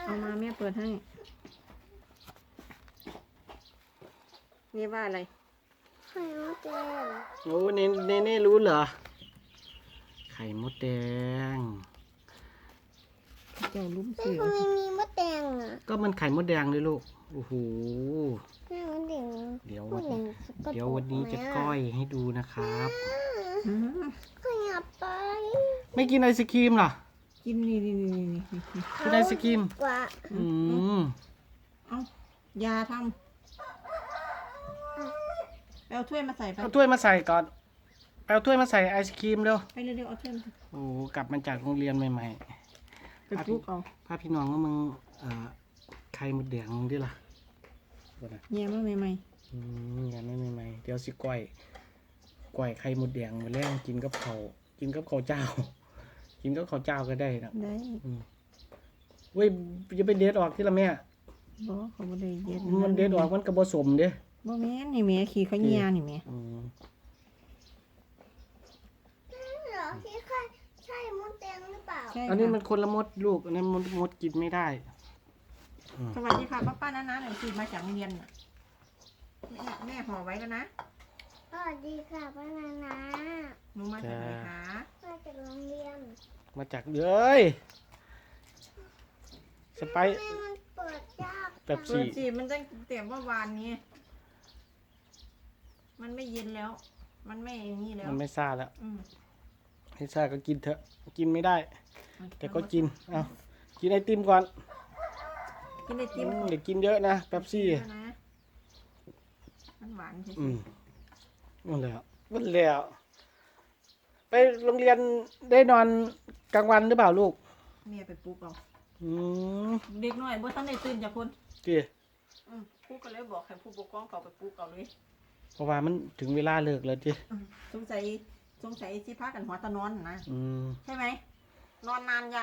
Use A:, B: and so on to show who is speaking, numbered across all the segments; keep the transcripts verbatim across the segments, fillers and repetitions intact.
A: เอามาแม่เปิดให้นี่ว่าอะไร
B: ไข่มดแดง
C: โอ้เนเนเน่รู้เหรอไข่มดแดง
A: เจ้าลุ้ม
B: แต่
A: เสือ
B: ทำไมมีมดแดงอ่ะ
C: ก็มันไข่มดแดงเลยลูกโอ้โห
B: แม่มดแดง
C: เดี๋ยว
B: ม
C: วั
B: ด
C: น
B: แดงสกปรก
C: เดี๋ยววันนี้จะก้อยให้ดูนะครับ
A: อืม
B: ขยับไป
C: ไม่กินไอศครีมเหรอ
A: กินนี่นี่นี่นี่นี่
C: กินไอศกรีม
B: กว่า
C: อืม
A: เอายาทำไปเอาถ้วยมาใส่ไป
C: เอาถ้วยมาใส่ก่อนเอาถ้วยมาใส่ไอศครีมเร็ว
A: ไปเร็วๆเอาถ้วยมา
C: โอ้กลับมาจากโรงเรียนใหม่
A: ไปปลุกเอา
C: ๆพาพี่น้องก็มึงเอ่อไข่มดแดงมึงดิล่ะบ่นะ
A: แย่มาใหม่
C: อืมอย่างนั้นใหม่ๆเดี๋ยวสิก้อยก้อยไข่มดแดงมาแล้งกินกับข้าวกินกับข้าวเจ้า กินกับข้าวเจ้าก็ได้นะ
A: ๆได้
C: อืมเว้ยจะไปเด็ดออกที่ละแม่
A: บ่เขาบ่ได้เย็ด
C: มันเด็ดออกมันกระบสมเด้
A: บ่แม่นนี่แม่ขี้เขาเหี่ยนี่แม่
C: อืม
B: เหรอที่ไข่ใช่มดแดงหรือเปล่า
A: ใช่
C: อันนี้มั
A: ค่ะ
C: นคนละมดลูกอันนั้นมดมดกินไม่ได้
A: สวัสดีค่ะป้าป้าน้าๆหน่อยสิมาจากโรงเรียนน่ะแม่แม่ห่อไว้แล้วนะ
B: สวัสดีค่ะป้านานา
A: หนูมาจากไหนคะ
B: มาจากโรงเรียน
C: มาจากเลยสไป
B: แม่มันเปิดยาก
C: แบบ
A: เปิดสิมันตั้งแต่เมื่อวานนี้ มันไม่เย็นแล้ว มันไม่อย่างนี้แล้ว
C: มันไม่ซ่าแล้ว
A: อืม
C: ให้ซ่าก็กินเถอะกินไม่ได้ แต่ก็กินเอากินไอติมก่อน
A: กินไอติม
C: อืมเดี๋ยวกินเยอะนะแป๊บซี่
A: เยอะนะมันหวานใช่ไห
C: อื
A: ม
C: มนั่นแหละนั่นแหละไปโรงเรียนได้นอนกลางวันหรือเปล่าลูก
A: แม่ไปปลุกเอา
C: อืม
A: เด็กน้อยบ่ทันได้ตื่นจากคน
C: ดี
A: อืมปลุกก็เลยบอกให้ผู้ปกครองเขาไปปลุกเอาเลย
C: เพราะว่ามันถึงเวลาเลิกแล้วจี
A: อืมสงสัยสงสัยสิพากันหัวตะนอนนะ
C: อืม
A: ใช่ไหมนอนนานยัง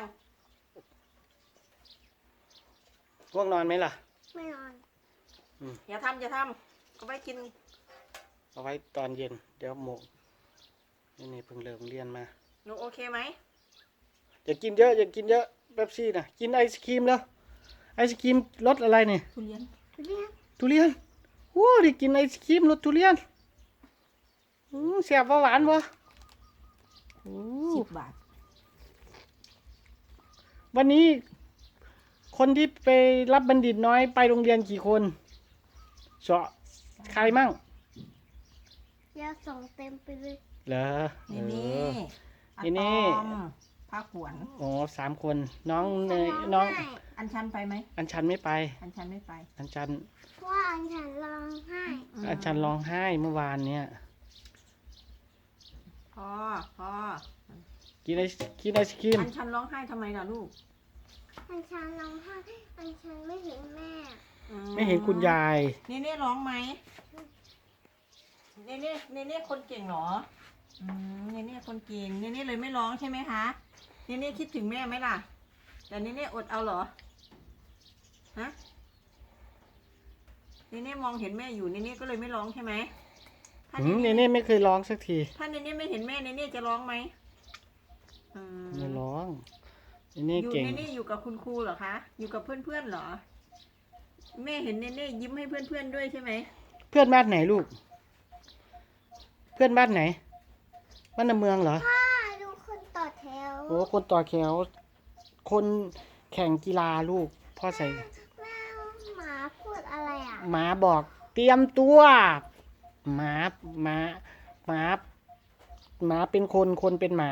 C: ง่วงนอนไหมล่ะ
B: ไม่นอน
A: อย่าทำอย่าทำก็ไปกิน
C: เอาไว้ตอนเย็น เดี๋ยวหมกนี่นี่เพิ่งเลิกเรียนมา
A: หนูโอเคไหม
C: อย่ากินเยอะอย่ากินเยอะเป๊ปซี่นะกินไอศครีมแล้วไอศครีมรสอะไรเนี่ย
A: ทุเรียน
B: เรียก
C: ทุเรียนโอ้ได้กินไอศครีมรสทุเรียนอืมแซ่บบ่หวานบ่โอ้
A: สิบบาท
C: วันนี้ คนที่ไปรับบัณฑิตน้อยไปโรงเรียนกี่คนเสาะใครมั่ง
B: อยาส่งเต็มไปเลย
C: เหรอ
A: นี่นี่
C: เออนี่นี่
A: อะตอมผ้าขวน
C: อ๋อสามคน น้องเนยน้อง
A: อันชันไปไหม
C: อัญชันไม่ไป
A: อันชันไม่ไป
C: อัญชัน
B: เพราะว่าอันฉันร้องไห้
C: อัญชันร้องไห้เมื่อวานเนี่ย
A: พอพอ
C: กินไอกินไอศครีม
A: อันชันร้องไห้ทำไมล่ะลูก
B: อันฉันร้องไห้อันฉันไม่เห็นแม่
A: อื
C: ไม่เห็นคุณยาย
A: เนเน่ร้องไหมเนเน่เนเน่คนเก่งเหรออืมเนเน่คนเก่งเนเน่เลยไม่ร้องใช่ไหมคะเนเน่คิดถึงแม่ไหมล่ะ แต่เนเน่อดเอาเหรอฮะเนเน่มองเห็นแม่อยู่เนเน่ก็เลยไม่ร้องใช่ไหมถ้า
C: หื
A: เน
C: มเน
A: เน่
C: เน่ไม่เคยร้องสักที
A: ถ้าเนเน่ไม่เห็นแม่เนเน่จะร้องไหมอืม
C: ไม่ร้องเนเน่
A: อยู่
C: เก่ง
A: เนเน่อยู่กับคุณครูเหรอคะอยู่กับเพื่อนๆเหรอ แม่เห็นเนเน่ยิ้มให้เพื่อนๆด้วยใช่ไหม
C: เพื่อนบ้านไหนลูก เพื่อนบ้านไหน บ้านในเมืองเหรอ
B: ป้าดูคนต่อแถว
C: โอ้คนต่อแถว คนแข่งกีฬาลูก พ่อใส่
B: แม่หมาพูดอะไรอ่ะ
C: หมาบอกเตรียมตัวหมาหมาหมาหมาเป็นคนคนเป็นหมา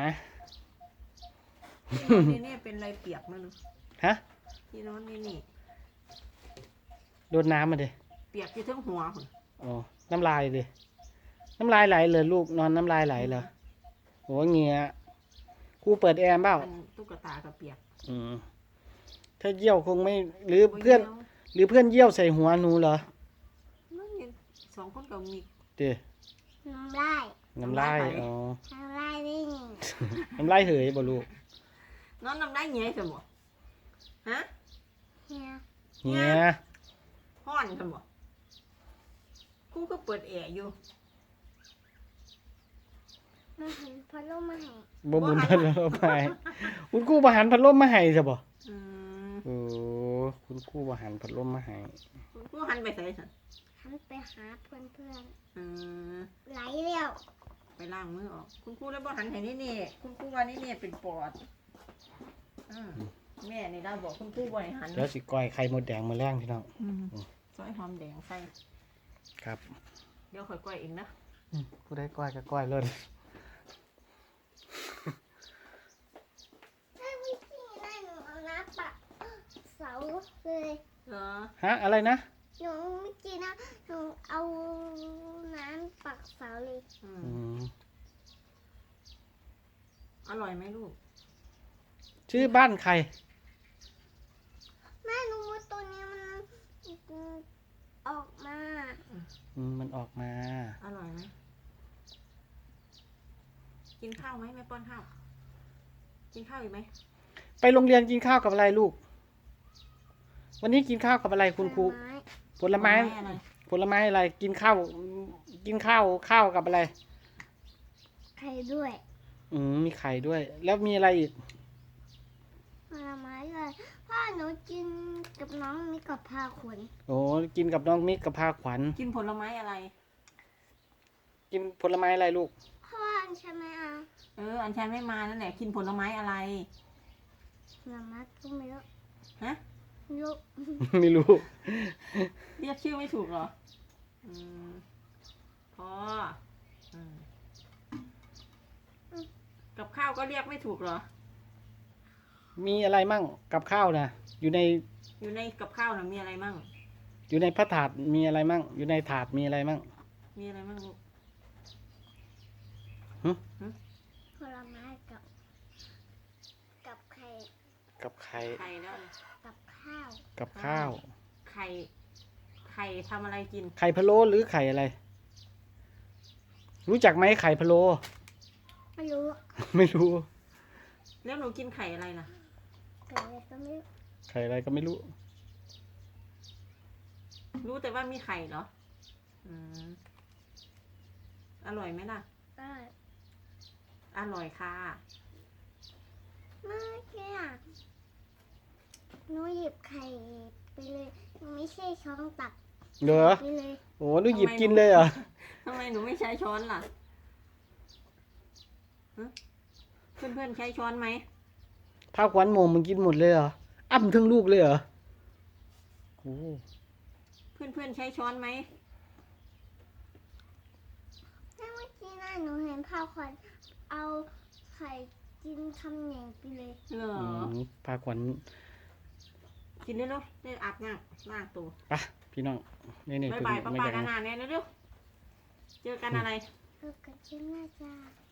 A: เนเน่เป็นอะไรเปียกมั้ง
C: ฮะ
A: พี่น้องเนเน่
C: โดนน้ำมาเลย
A: เปียกที่ทั้งหัวหุ่น
C: อ๋อน้ำลายเลย น้ำลายไหลเลยลูกนอนน้ำลายไหลเลยโหเงี้ยครูเปิดแอร์เปล่า
A: มันตุ๊กตากับเปียก
C: อืมถ้าเยี่ยวคงไม่หรือเพื่อน หรือเพื่อนเยี่ยวใส่หัวหนูเหรอ
A: มันยังสองคนกับมี
C: เดี๋ย
B: น้ำลาย
C: น้ำลาย
A: น้ำลายไป
C: อ๋อ
B: น้ำลายนี่
C: น้ำลายเหยบ่ลูก
A: นอนน้ำได้เงี้ยสมบ่ฮะ
B: เฮีย
C: เงี้ย
A: ห้อนสมบ่ครูก็เปิดแอร์อยู่
B: มาเห็นพัดลมมาให้
C: บ่บุญพัดลมมาให้คุณครูประหารพัดลมมาให้ซะบ่
A: อืม
C: โอ้คุณครูว่าหันพัดลมมาให้
A: คุณครูหันไปใส่สัน
B: หันไปหาเพื่อนเพื่อน
A: เออ
B: ๆไหลเร็ว
A: ไปล้างมือออก คุณครูแล้วบ่หันให้นี่นี่คุณครูว่านี่นี่เป็นปอดอืมแม่นี่ได้บอกคุณครูบ่ให้หัน
C: เดี๋ยวสิก้อยไข่มดแดงมาแล้งพี่น้อง
A: อืมซอยหอมแดงใส่
C: ครับ
A: เดี๋ยวค่อยก้อยเองนะ
C: อืมผู้ได้ก้อยก็ก้อยเลย
B: ถ้าวิธีได้หนูเอาน้ำปักเสาเลย
A: เหรอ
C: ฮะอะไรนะ
B: หนูไม่กินนะหนูเอาน้ำปักเสาเลย
A: อืม
C: อืม
A: อร่อยไหมลูก
C: ชื่อบ้านใคร
B: แม่หนูว่าตัวนี้มันออกมา
C: อืมมันออกมา
A: อร่อยไหมกินข้าวไหมแม่ป้อนข้าว กินข้าวอีกไหม
C: ไปโรงเรียนกินข้าวกับอะไรลูก วันนี้กินข้าวกับอะไรคุณครู
B: ไม้
C: ผลไม้
A: อะไร
C: ผลไม้อะไร กินข้าว กินข้าว ข้าวกับอะไร
B: ไข่ด้วย
C: อืมมีไข่ด้วย แล้วมีอะไรอีก
B: ผลไม้เลยพ่อหนูกินกับน้องมีกับพาขน
C: โอ้กินกับน้องมิกกับพาขวัญ
A: กินผลไม้อะไร
C: กินผลไม้อะไรลูก
B: พ่อใช่ไหมอ่ะ
A: เออ อันชันไม่มานั่นแหละ กินผลไม้อะไร
B: ผลไม้ก็ไม่รู้
A: ฮะ
B: ไม่รู้
C: ไม่รู้
A: เรียกชื่อไม่ถูกเหรอ อืมพออืมกับข้าวก็เรียกไม่ถูกเหรอ
C: มีอะไรมั่งกับข้าวนะอยู่ใน
A: อยู่ในกับข้าวน่ะมีอะไรมั่ง
C: อยู่ในพระถาดมีอะไรมั่ง อยู่ในถาดมีอะไรมั่ง
A: มีอะไรมั่งลูก
B: ผลไม้กับ กับไข่
C: กับไข่
A: ไข่แล้วอะไร
B: กับข้าว
C: กับข้าว
A: ไข่ ไข่ทำอะไรกิน
C: ไข่พะโล้หรือไข่อะไร รู้จักไหมไข่พะโล้
B: ไม่รู้
C: ไม่รู้
A: แล้วหนูกินไข่อะไรล่ะ
B: ไข่อะไรก็ไม่รู้
C: ไข่อะไรก็ไม่รู้
A: รู้แต่ว่ามีไข่เหรอ อืม อร่อยไหมล่ะ
B: ได้
A: อร่อยค่ะ
B: เมื่อกี้อ่ะหนูหยิบไข่ไปเลยไม่ใช่ช้อนตัก
C: เหรอ
B: ไปเลย
C: โอ้หนูหยิบกินเลยเหรอ
A: ทำไมหนูไม่ใช้ช้อนล่ะฮะเพื่อนๆใช้ช้อนไหม
C: พาขวัญโมงมึงกินหมดเลยเหรอ อ้ำทั้งลูกเลยเหรอโอ้
A: เพื่อนๆใช้ช้อนไหม
B: เมื่อกี้น่ะหนูเห็นพ่อควันเอาไข่กินคำเหน่งไปเลย
A: เหรอ
C: อืมพาขวัญ
A: กินได้เนาะได้อาบน้ำล้างตัว
C: ไปพี่น้องนี่นี่
A: บาย
C: คือ
A: บายป้า
C: ไม่
A: ป้า
C: อยาก
A: กันนาเนี่ยเร็วๆเจอกันอะไร
B: เออกันชิ้นน่าจะ